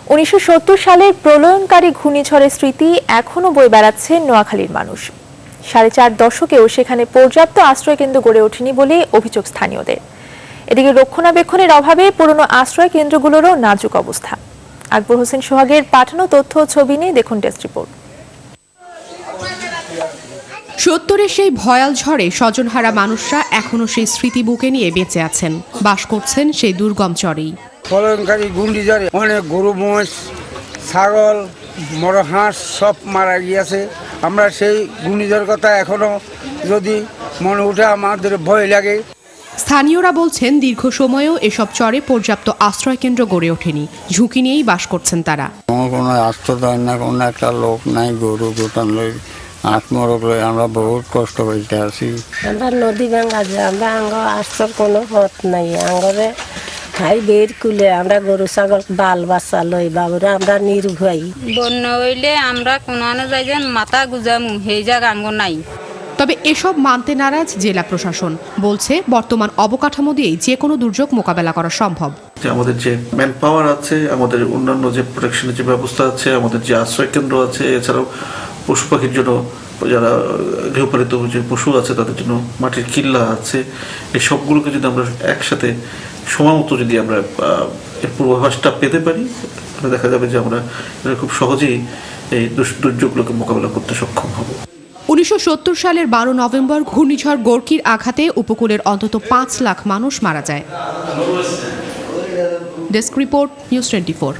1970 সালের প্রলয়ঙ্কারী ঘূর্ণিঝড়ের স্মৃতি এখনো বয়ে বেড়াচ্ছে নোয়াখালীর মানুষ। 4.5 দশকেও সেখানে পর্যাপ্ত আশ্রয়কেন্দ্র গড়ে ওঠেনি বলে অভিযোগ স্থানীয়দের। এদিকে রক্ষণাবেক্ষণের অভাবে পুরনো আশ্রয় কেন্দ্রগুলোরও নাজুক অবস্থা। আকবর হোসেন সোহাগের পাঠানো তথ্য ও ছবি নিয়ে দেখুন ডেস্ক রিপোর্ট। 70-এর সেই ভয়াল ঝড়ে স্বজনহারা মানুষরা এখনো সেই স্মৃতি বুকে নিয়ে বেঁচে আছেন, বাস করছেন সেই দুর্গম চরেই। প্রলয়ঙ্কারী ঘূর্ণিঝড়ে অনেক গরু, মহিষ, ছাগল, বড় হাঁস সব মারা গিয়েছে। আমরা সেই ঘূর্ণিঝড়ের কথা এখনো যদি মনে উঠে আমাদের ভয় লাগে। স্থানীয়রা বলছেন দীর্ঘ সময়েও এসব চরে পর্যাপ্ত আশ্রয় কেন্দ্র গড়ে ওঠেনি, ঝুঁকি নিয়েই বাস করছেন তারা। কোনো আশ্রয় দেয় না, কোনো একটা লোক নাই, গরু গোটান লই আত্মরক লই আমরা বহুত কষ্ট করতে আছি। আমরা নদী ভাঙ্গা যে আমরা আঙ্গ আশ্রয় কোনো পথ নাই, আঙ্গরে খাই বের কুলে আমরা গরু ছাগল বাল বাচ্চা লই বাবুরা আমরা নির্ভয়। বন্যা হইলে আমরা কোনো যাই যে মাথা গুজামু সেই জায়গা আঙ্গ নাই। তবে এসব মানতে নারাজ জেলা প্রশাসন, বলছে বর্তমান অবকাঠামো দিয়েই যে কোনো দুর্যোগ মোকাবেলা করা সম্ভব। আমাদের যে ম্যান পাওয়ার আছে, আমাদের অন্যান্য যে প্রোটেকশনের যে ব্যবস্থা আছে, আমাদের যে আশ্রয় কেন্দ্র আছে, এছাড়াও পশু পাখির জন্য যারা গৃহপালিত যে পশু আছে তাদের জন্য মাটির কিল্লা আছে, এই সবগুলোকে যদি আমরা একসাথে সময় মতো যদি আমরা এর পূর্বাভাসটা পেতে পারি, তাহলে দেখা যাবে যে আমরা খুব সহজেই এই দুর্যোগগুলোকে মোকাবেলা করতে সক্ষম হব। 1970 সালের 12 নভেম্বর ঘূর্ণিঝড় গোর্কির আঘাতে উপকূলের অন্তত 5 লাখ মানুষ মারা যায়। Desk report, news 24।